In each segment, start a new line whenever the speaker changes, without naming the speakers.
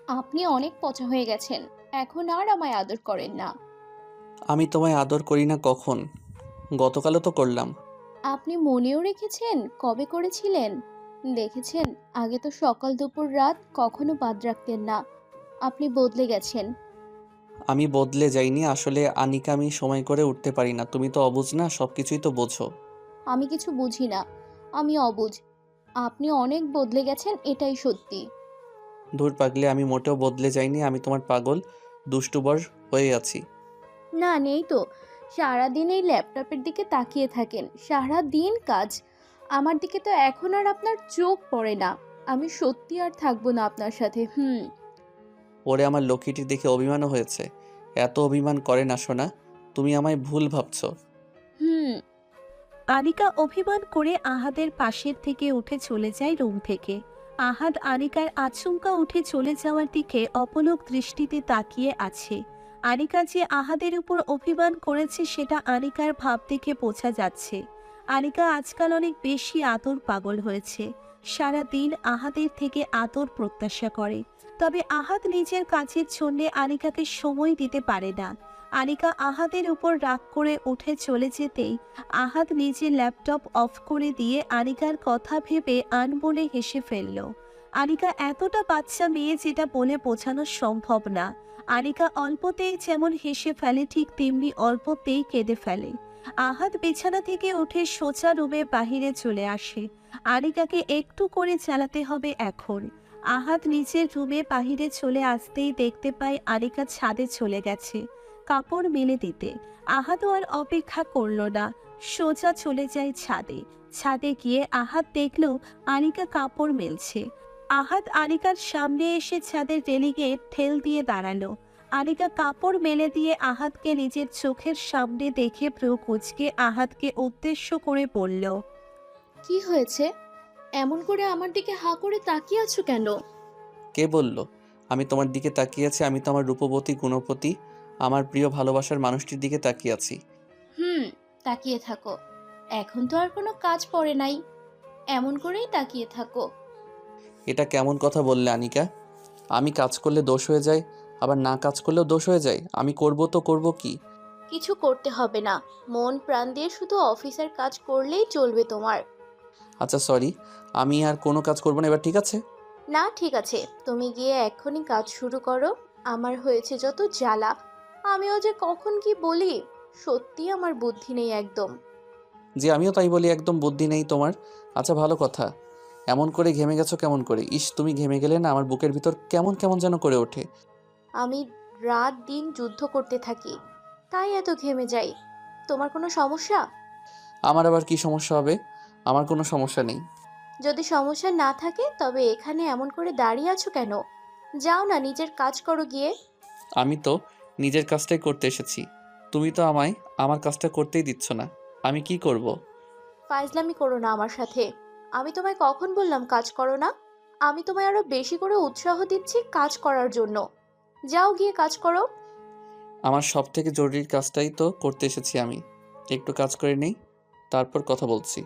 আপনি অনেক পচা হয়ে গেছেন। এখন আর আমায় আদর করেন না।
আমি তোমায় আদর করি না কখন? গতকালও তো করলাম।
আপনি মনেও রেখেছেন কবে করেছিলেন? দেখেছেন, আগে তো সকাল দুপুর রাত কখনো বাদ রাখতেন না। আপনি বদলে গেছেন।
আমি বদলে যাইনি আসলে আনিকা, আমি সময় করে উঠতে পারি না। তুমি তো অবুঝ না, সব কিছুই তো বোঝো।
আমি কিছু বুঝি না। আমি অবুঝ। আপনি অনেক বদলে গেছেন, এটাই সত্যি।
ধুর পাগলি, আমি মোটেও বদলে যাইনি। আমি তোমার পাগল দুষ্টুবর হয়ে আছি।
না, নেই তো। সারাদিন এই ল্যাপটপের দিকে তাকিয়ে থাকেন, সারা দিন কাজ। আমার দিকে তো এখন আর আপনার চোখ পড়ে না। আমি সত্যি আর থাকবো না আপনার সাথে।
ওরে আমার লক্ষ্মীটির দেখে অভিমানও হয়েছে। এত অভিমান করে না সোনা, তুমি আমায় ভুল ভাবছো।
হুম।
আনিকা অভিমান করে আহাদের পাশের থেকে উঠে চলে যায় রুম থেকে। আহাদ আনিকার আচমকা উঠে চলে যাওয়ার দিকে অপলক দৃষ্টিতে তাকিয়ে আছে। আনিকা যে আহাদের উপর অভিমান করেছে সেটা আনিকার ভাব দেখে বোঝা যাচ্ছে। আনিকা আজকাল অনেক বেশি আদর পাগল হয়েছে। সারা দিন আহাদের থেকে আদর প্রত্যাশা করে। তবে আহাদ নিজের কাজের জন্য আনিকাকে সময় দিতে পারে না। আনিকা আহাদের উপর রাগ করে উঠে চলে যেতেই আহাদ নিজের ল্যাপটপ অফ করে দিয়ে আনিকার কথা ভেবে আনমনে হেসে ফেলল। আনিকা এতটা বাচ্চা মেয়ে যেটা বলে বোঝানো সম্ভব না। আনিকা অল্পতেই যেমন হেসে ফেলে ঠিক তেমনি অল্পতেই কেঁদে ফেলে। আহাদ বিছানা থেকে উঠে সোজা রুমে বাহিরে চলে আসে। আনিকাকে একটু করে চালাতে হবে এখন। আহাদ নিজের রুমে বাহিরে চলে আসতেই দেখতে পায় আনিকা ছাদে চলে গেছে কাপড় মেলে দিতে। আহাদও আর অপেক্ষা করল না, সোজা চলে যায় ছাদে। ছাদে গিয়ে আহাদ দেখল আনিকা কাপড় মেলছে। আহাদ আনিকার সামনে এসে ছাদের রেলিংয়ে ঠেল দিয়ে দাঁড়ালো। আনিকা কাপড় মেলে দিয়ে আহাদকে নিজের চোখের সামনে দেখে ভ্রু কুঁচকে আহাদকে উদ্দেশ্য করে বলল,
কি হয়েছে? এমন করে আমার দিকে হাঁ করে তাকিয়ে আছো কেন?
কে বলল আমি তোমার দিকে তাকিয়ে আছি? আমি তো আমার রূপবতী গুণপতি, আমার প্রিয় ভালোবাসার মানুষটির দিকে তাকিয়ে আছি।
হুম, তাকিয়ে থাকো। এখন তো আর কোনো কাজ পড়ে নাই। এমন করেই তাকিয়ে থাকো।
এটা কেমন কথা বললে আনিকা? আমি কাজ করলে দোষ হয়ে যায়, আবার না কাজ করলেও দোষ হয়ে যায়। আমি করব তো করব কি?
কিছু করতে হবে না। মন প্রাণ দিয়ে শুধু অফিসের কাজ করলেই চলবে তোমার।
আচ্ছা সরি, আমি আর কোনো কাজ করব না, এবার ঠিক আছে?
না, ঠিক আছে। তুমি গিয়ে এক্ষুনি কাজ শুরু করো। আমার হয়েছে যত জ্বালা। আমিও যে কখন কি বলি। সত্যি আমার বুদ্ধি নেই একদম।
যে আমিও তাই বলি, একদম বুদ্ধি নেই তোমার। আচ্ছা ভালো কথা, এমন করে ঘেমে গেছো কেমন করে? ইস, তুমি ঘেমে গেলে না আমার বুকের ভিতর কেমন কেমন যেন করে ওঠে।
আমি রাত দিন যুদ্ধ করতে থাকি, তাই এত ঘেমে যাই। তোমার কোনো সমস্যা?
আমার আবার কি সমস্যা হবে? আমার কোনো সমস্যা নেই।
যদি সমস্যা না থাকে তবে এখানে এমন করে দাঁড়িয়ে আছো কেন? যাও না, নিজের কাজ করো গিয়ে।
আমি তো নিজের কাজটাই করতে এসেছি, তুমি তো আমায় আমার কাজটা করতেই দিচ্ছ না। আমি কি করব?
ফাইজলামি করো না আমার সাথে। আমি তোমায় কখন বললাম কাজ করো না? আমি তোমায় আরো বেশি করে উৎসাহ দিচ্ছি কাজ করার জন্য। যাও গিয়ে কাজ করো।
আমার সব থেকে জরুরি কাজটাই তো করতে এসেছি আমি। একটু কাজ করে নেই, তারপর কথা বলছি।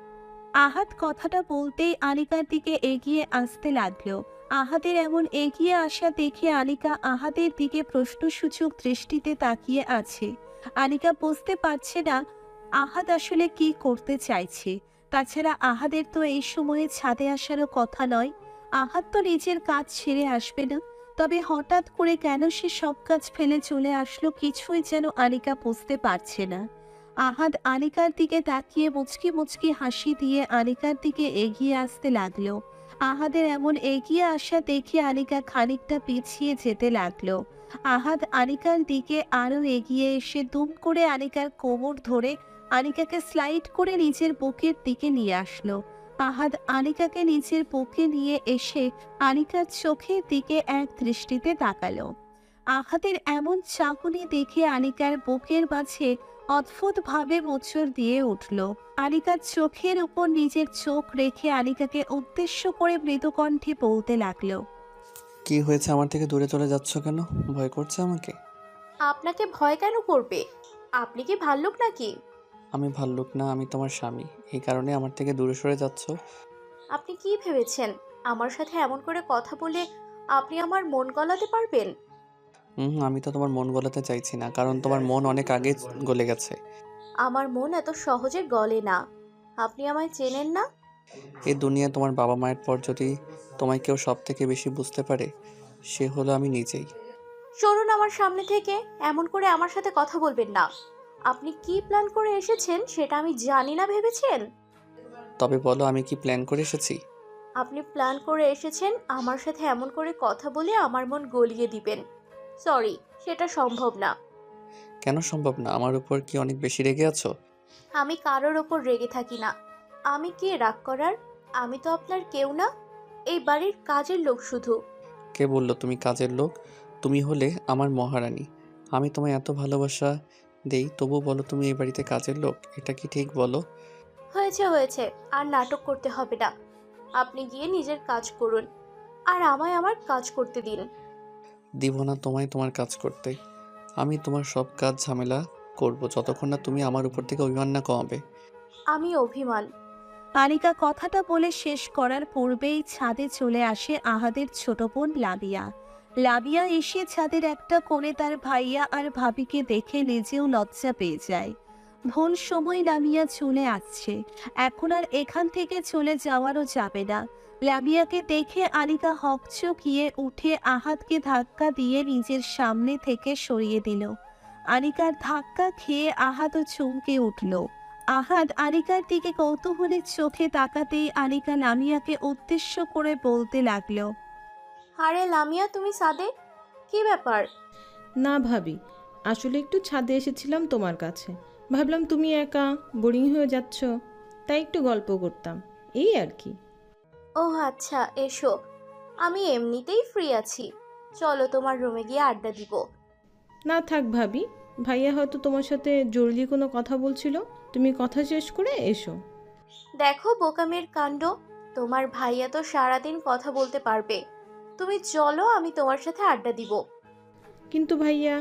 আহাদ কথাটা বলতেই আনিকার দিকে এগিয়ে আসতে লাগলো। আহাদের এমন এগিয়ে আসা দেখে আনিকা আহাদের দিকে প্রশ্নসূচক দৃষ্টিতে তাকিয়ে আছে। আনিকা বুঝতে পারছে না আহাদ আসলে কি করতে চাইছে। তাছাড়া আহাদের তো এই সময়ে ছাদে আসারও কথা নয়। আহাদ তো নিজের কাজ ছেড়ে আসবে না। তবে হঠাৎ করে কেন সে সব কাজ ফেলে চলে আসলো কিছুই যেন আনিকা বুঝতে পারছে না। আহাদ আনিকার দিকে তাকিয়ে মুচকি মুচকি হাসি দিয়ে আনিকার দিকে এগিয়ে আসতে লাগলো। আহাদের এমন এগিয়ে আসা দেখে আনিকা খানিকটা পিছিয়ে যেতে লাগলো। আহাদ আনিকার দিকে আরো এগিয়ে এসে দুম করে আনিকার কোমর ধরে আনিকাকে স্লাইড করে নিজের বুকের দিকে নিয়ে আসলো। আহাদ আনিকাকে নিজের বুকে নিয়ে এসে আনিকার চোখের দিকে এক দৃষ্টিতে তাকালো। আহাদের এমন চাহনি দেখে আনিকার বুকের মাঝে অদ্ভুতভাবে মোচড় দিয়ে উঠল। আনিকার চোখের উপর নিজের চোখ রেখে আনিকাকে উদ্দেশ্য করে মৃদুকণ্ঠে বলতে লাগলো,
কি হয়েছে? আমার থেকে দূরে চলে যাচ্ছ কেন? ভয় করছে আমাকে?
আপনাকে ভয় কেন করবে? আপনি কি ভাল্লুক নাকি?
আমি ভাল্লুক না, আমি তোমার স্বামী। এই কারণে আমার থেকে দূরে সরে যাচ্ছ?
আপনি কি ভেবেছেন আমার সাথে এমন করে কথা বলে আপনি আমার মন গলাতে পারবেন?
আমি তো তোমার মন গলাতে চাইছি না, কারণ তোমার মন অনেক আগে গলে গেছে।
আমার মন এত সহজে গলে না। আপনি আমায় চেনেন না।
এই দুনিয়ায় তোমার বাবা মায়ের পর যদি তোমায় কেউ সব থেকে বেশি বুঝতে পারে, সে হলো আমি নিজেই।
সরুন আমার সামনে থেকে। এমন করে আমার সাথে কথা বলবেন না। আপনি কি প্ল্যান করে এসেছেন সেটা আমি জানি না ভেবেছেন?
তবে বলো, আমি কি প্ল্যান করে এসেছি?
আপনি প্ল্যান করে এসেছেন আমার সাথে এমন করে কথা বলে আমার মন গলিয়ে দিবেন। সরি, সেটা সম্ভব না।
কেন সম্ভব না? আমার উপর কি অনেক বেশি রেগে আছো?
আমি কারোর ওপর রেগে থাকি না। আমি কে রাগ করার? আমি তো আপনার কেউ না। এই বাড়ির কাজের লোক শুধু।
কে বললো তুমি কাজের লোক? তুমি হলে আমার মহারানী। আমি তোমায় এত ভালোবাসা দেই, তবু বলো তুমি এই বাড়িতে কাজের লোক? এটা কি ঠিক বলো?
হয়েছে হয়েছে, আর নাটক করতে হবে না। আপনি গিয়ে নিজের কাজ করুন, আর আমায় আমার কাজ করতে দিন।
দিব না তোমায় তোমার কাজ করতে। আমি তোমার সব কাজ ঝামেলা করব যতক্ষণ না তুমি আমার উপর থেকে অভিমান না কমাবে।
আমি অভিমান?
আনিকা কথাটা বলে শেষ করার পূর্বেই ছাদে চলে আসে আহাদের ছোট বোন লাবিয়া। লাবিয়া এসে ছাদের একটা কোণে তার ভাইয়া আর ভাবিকে দেখে নিজেও লজ্জা পেয়ে যায়। ভুল সময় লামিয়া চলে আসছে, এখন আর এখান থেকে চলে যাওয়ারও যাবে না। লামিয়াকে দেখে আনিকা হকচকিয়ে উঠে আহাদকে ধাক্কা দিয়ে নিজের সামনে থেকে সরিয়ে দিল। আনিকার ধাক্কা খেয়ে আহাদও চমকে উঠল। আহাদ আনিকার দিকে কৌতূহলের চোখে তাকাতেই আনিকা লামিয়াকে উদ্দেশ্য করে বলতে লাগলো,
আরে লামিয়া, তুমি সাদে? কি ব্যাপার?
না ভাবি, আসলে একটু ছাদে এসেছিলাম তোমার কাছে। ভাবলাম তুমি একা বোরিং হয়ে যাচ্ছ, তাই একটু গল্প করতাম, এই আর কি।
ও আচ্ছা, এসো। আমি এমনিতেই ফ্রি আছি। চলো তোমার রুমে গিয়ে আড্ডা দিব।
না থাক ভাবি, ভাইয়া হয়তো তোমার সাথে জরুরি কোনো কথা বলছিল, তুমি কথা শেষ করে এসো।
দেখো বোকামের কাণ্ড। তোমার ভাইয়া তো সারাদিন কথা বলতে পারবে। তুমি চলো, আমি তোমার সাথে আড্ডা দিব।
কিন্তু ভাইয়া।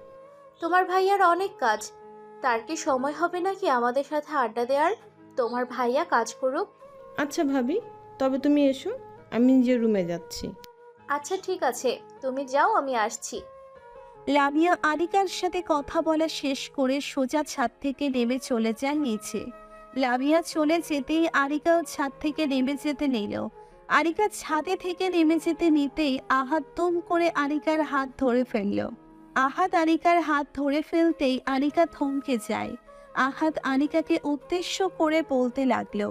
তোমার ভাইয়ার অনেক কাজ। তার কি সময় হবে নাকি আমাদের সাথে আড্ডা দেওয়ার? তোমার ভাইয়া কাজ করুক।
আচ্ছা ভাবি, তবে তুমি এসো, আমি নিজের রুমে যাচ্ছি।
আচ্ছা ঠিক আছে, তুমি যাও, আমি আসছি।
লামিয়া আনিকার সাথে কথা বলা শেষ করে সোজা ছাদ থেকে নেমে চলে যায় নিচে। লামিয়া চলে যেতেই আনিকাও ছাদ থেকে নেমে যেতে নিল। আনিকা ছাদে থেকে নেমে যেতে নিতেই আহাদ দুম করে আনিকার হাত ধরে ফেলল। আহাদ আনিকার হাত ধরে ফেলতেই আনিকা থমকে যায়। আহাদ আনিকাকে উদ্দেশ্য করে বলতে লাগলো,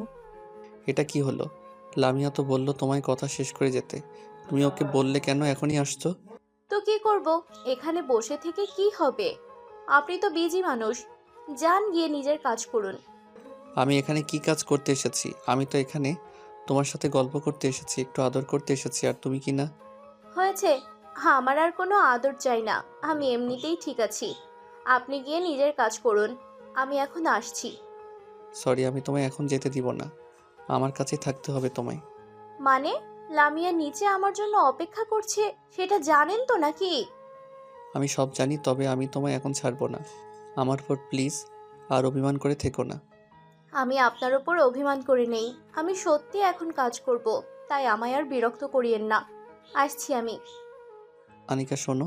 এটা কি হলো? লামিয়া তো বললো তোমায় কথা শেষ করে যেতে। তুমি ওকে বললে কেন এখনই আসছো?
তো কি করব? এখানে বসে থেকে কি হবে? আপনি তো বিজি মানুষ। যান, গিয়ে নিজের কাজ করুন।
আমি এখানে কি কাজ করতে এসেছি? আমি তো এখানে তোমার সাথে গল্প করতে এসেছি, একটু আদর করতে এসেছি, আর তুমি কি না?
হয়েছে। আমার আর কোনো আদর চাই না। আমি এমনিতেই ঠিক আছি। আপনি গিয়ে নিজের কাজ করুন। আমি এখন আসছি।
সরি, আমি তোমায় এখন যেতে দিব না। আমার কাছে থাকতে হবে তোমায়।
মানে? লামিয়া নিচে আমার জন্য অপেক্ষা করছে, সেটা জানেন তো নাকি?
আমি সব জানি, তবে আমি তোমায় এখন ছাড়বো না। আমার উপর প্লিজ আর অভিমান করে থেকো না।
আমি আপনার ওপর অভিমান করে নেই। আমি সত্যি এখন কাজ করব। তাই আমায় আর বিরক্ত করিয়েন না। আসছি আমি।
আনিকা শোনো,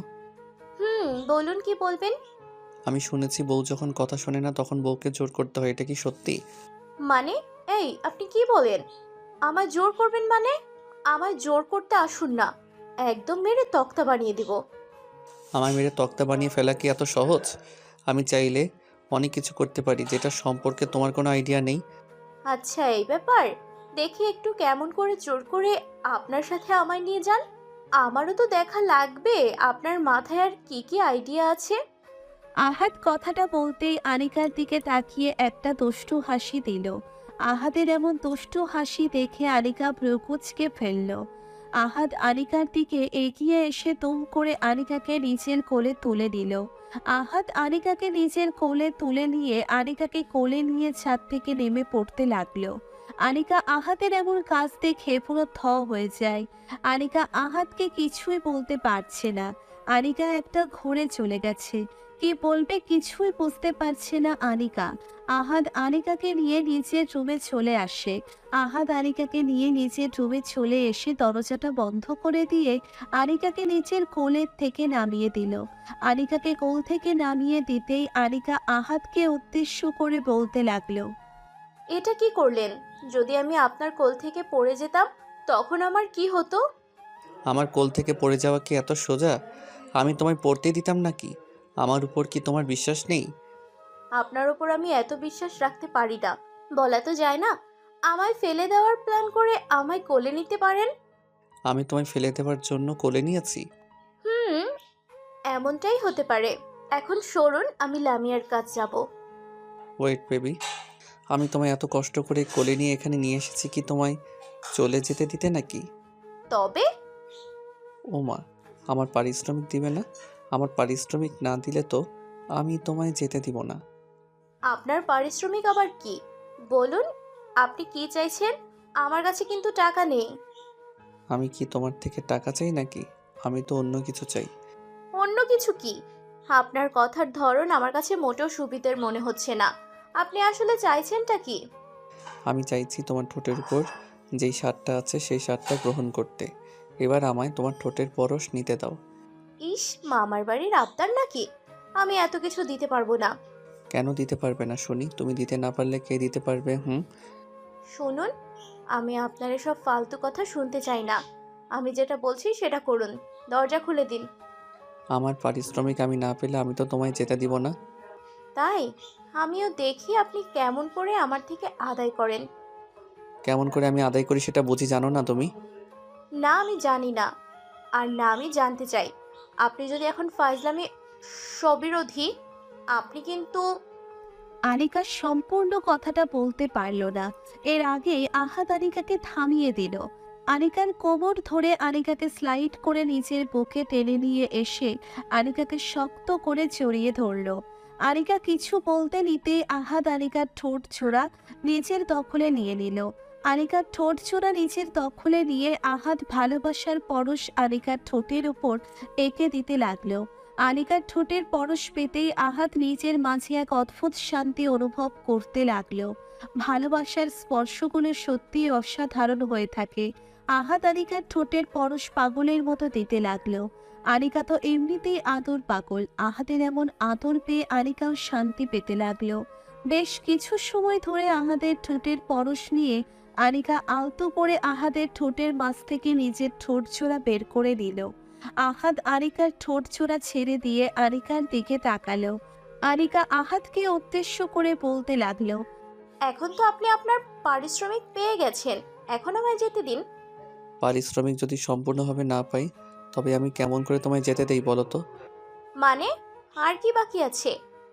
বলুন, কি বলবেন?
আমি শুনেছি বউ যখন কথা শোনে না তখন বউকে জোর করতে হয়, এটা কি সত্যি?
মানে? এই, আপনি কি বলেন? আমায় জোর করবেন মানে? আমায় জোর করতে আসুন না। একদম মেরে তক্তা বানিয়ে দিব।
আমায় মেরে তক্তা বানিয়ে ফেলা কি এত সহজ? আমি চাইলে অনেক কিছু করতে পারি, যেটা সম্পর্কে তোমার কোনো আইডিয়া নেই।
আচ্ছা, এই ব্যাপার। দেখি একটু কেমন করে জোর করে আপনার সাথে আমায় নিয়ে যান। আমারও তো দেখা লাগবে আপনার মাথায় আর কি কি আইডিয়া আছে।
আহাদ কথাটা বলতেই আনিকার দিকে তাকিয়ে একটা দুষ্টু হাসি দিল। আহাদের এমন দুষ্টু হাসি দেখে আনিকা ভ্রুকুচকে ফেলল। আহাদ আনিকার দিকে এগিয়ে এসে তুম করে আনিকাকে নিজের কোলে তুলে দিল। আহাদ আনিকাকে নিজের কোলে তুলে নিয়ে আনিকাকে কোলে নিয়ে ছাদ থেকে নেমে পড়তে লাগলো। আনিকা আহাদের এমন কাজ দেখে পুরো থ হয়ে যায়। আনিকা আহাদকে কিছুই বলতে পারছে না। আনিকা একটা ঘুরে চলে গেছে। কি বলবে কিছুই বুঝতে পারছে না আনিকা। আহাদ আনিকাকে নিয়ে নিজের রুমে চলে আসে। আহাদ আনিকাকে নিয়ে নিজের রুমে চলে এসে দরজাটা বন্ধ করে দিয়ে আনিকাকে নিচের কোলের থেকে নামিয়ে দিল। আনিকাকে কোল থেকে নামিয়ে দিতেই আনিকা আহাদকে উদ্দেশ্য করে বলতে লাগলো,
এটা কি করলেন? যদি আমি আপনার কোল থেকে পড়ে যেতাম তখন আমার কি হতো?
আমার কোল থেকে পড়ে যাওয়া কি এত সোজা? আমি তোমায় পড়তে দিতাম নাকি? আমার উপর কি তোমার বিশ্বাস নেই?
আপনার ওপর আমি এত বিশ্বাস রাখতে পারি না। বলা তো যায় না। আমায় ফেলে দেওয়ার প্ল্যান করে আমায় কোলে নিতে পারেন।
আমি তোমায় ফেলে দেওয়ার জন্য কোলে নিয়েছি?
হুম, এমনটাই হতে পারে। এখন সরুন, আমি লামিয়ার কাজ যাব।
ওয়েট বেবি, আমি তোমায় এত কষ্ট করে কোলে নিয়ে এখানে নিয়ে এসেছি কি তোমায় চলে যেতে দিতে নাকি?
তবে
ও মা, আমার পারিশ্রমিক দিবে না? আমার পারিশ্রমিক না দিলে তো আমি তোমায় যেতে দিব না।
আপনার পারিশ্রমিক আবার কি? বলুন, আপনি কি চাইছেন? আমার কাছে কিন্তু টাকা নেই।
আমি কি তোমার থেকে টাকা চাই নাকি? আমি তো অন্য কিছু চাই।
অন্য কিছু কি? আপনার কথার ধরন আমার কাছে মোটেও সুবিধার মনে হচ্ছে না। আপনি আসলে চাইছেনটা কি?
আমি চাইছি তোমার ঠোঁটের উপর যেই স্বাদটা আছে সেই স্বাদটা গ্রহণ করতে। এবার আমায় তোমার ঠোঁটের পরশ নিতে দাও।
ইস, মামার বাড়ির আবদার নাকি? আমি এত কিছু দিতে পারবো না।
কেন দিতে পারবে না শুনি? তুমি দিতে না পারলে কে দিতে পারবে?
শুনুন, আমি আপনার এসব ফালতু কথা শুনতে চাই না। আমি যেটা বলছি সেটা করুন। দরজা খুলে দিন।
আমার পারিশ্রমিক আমি না পেলে আমি তো তোমায় যেতে দিব না।
তাই আমিও দেখি আপনি কেমন করে আমার থেকে আদায় করেন।
কেমন করে আমি আদায় করি সেটা বুঝি জানো না তুমি?
না, আমি জানি না। আর না, আমি জানতে চাই। আপনি যদি এখন ফাইজলামি সবিরোধী, আপনি কিন্তু
আনিকা সম্পূর্ণ কথাটা বলতে পারল না। এর আগেই আহাদ আনিকাকে থামিয়ে দিল। আনিকার কোমর ধরে আনিকাকে স্লাইড করে নিজের বুকে টেনে নিয়ে এসে আনিকাকে শক্ত করে জড়িয়ে ধরল। আনিকা কিছু বলতে নিতে আহাদ আনিকার ঠোঁট ছোড়া নিজের দখলে নিয়ে নিল। আনিকার ঠোঁট ছোড়া নিজের দখলে নিয়ে আহাদ ভালোবাসার পরশ আনিকার ঠোঁটের উপর এঁকে দিতে লাগলো। আনিকার ঠোঁটের পরশ পেতেই আহাদ নিজের মাঝে এক অদ্ভুত শান্তি অনুভব করতে লাগলো। ভালোবাসার স্পর্শগুলো সত্যিই অসাধারণ হয়ে থাকে। আহাদ আনিকার ঠোঁটের পরশ পাগলের মতো দিতে লাগলো। আনিকা তো এমনিতেই আদর পাগল, আহাদের এমন আদর পেয়ে আনিকাও শান্তি পেতে লাগলো। বেশ কিছু সময় ধরে আহাদের ঠোঁটের পরশ নিয়ে আনিকা আলতো করে আহাদের ঠোঁটের মাছ থেকে নিজের ঠোঁট ছোড়া বের করে দিল। আহাদ আনিকার ঠোঁট ছোড়া ছেড়ে দিয়ে আনিকার দিকে তাকালো। আনিকা আহাদকে উদ্দেশ্য করে বলতে লাগলো,
এখন তো আপনি আপনার পারিশ্রমিক পেয়ে গেছেন। এখন আমায় যেতে দিন।
পারিশ্রমিক যদি সম্পূর্ণভাবে না পাই তবে আমি কেমন করে তোমায় যেতে দেই বলো তো?
মানে, আর কি বাকি আছে?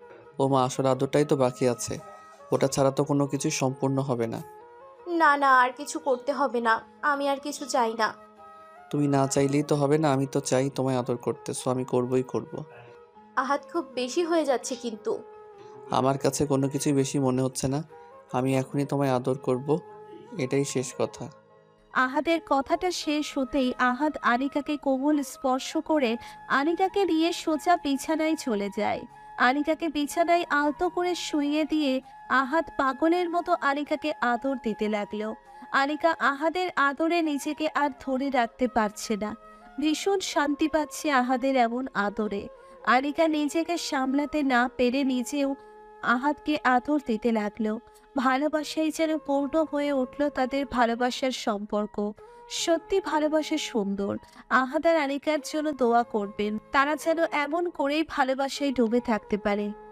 ও মা, আসল আদরটাই তো বাকি আছে। ওটা ছাড়া তো কোনো কিছুই সম্পূর্ণ হবে না।
না না, আর কিছু করতে হবে না। আমি আর কিছু চাই না।
তুমি না চাইলেই তো হবে না, আমি তো চাই তোমায় আদর করতে, সো আমি করবই করব।
আহাত, খুব বেশি হয়ে যাচ্ছে কিন্তু।
আমার কাছে কোনো কিছুই বেশি মনে হচ্ছে না। আমি এখনই তোমায় আদর করব, এটাই শেষ কথা।
আহাদের কথাটা শেষ হতেই আহাদ আনিকাকে কোমল স্পর্শ করে আনিকাকে নিয়ে সোজা বিছানায় চলে যায়। আনিকাকে বিছানায় আলতো করে শুইয়ে দিয়ে আহাদ পাগলের মতো আনিকাকে আদর দিতে লাগলো। আনিকা আহাদের আদরে নিজেকে আর ধরে রাখতে পারছে না। ভীষণ শান্তি পাচ্ছে আহাদের এমন আদরে। আনিকা নিজেকে সামলাতে না পেরে নিজেও আহাদকে আদর দিতে লাগলো। ভালোবাসাই যেন পূর্ণ হয়ে উঠল তাদের ভালোবাসার সম্পর্ক। সত্যি ভালোবাসা সুন্দর। আহাদ আর আনিকার জন্য দোয়া করবেন, তারা যেন এমন করেই ভালোবাসায় ডুবে থাকতে পারে।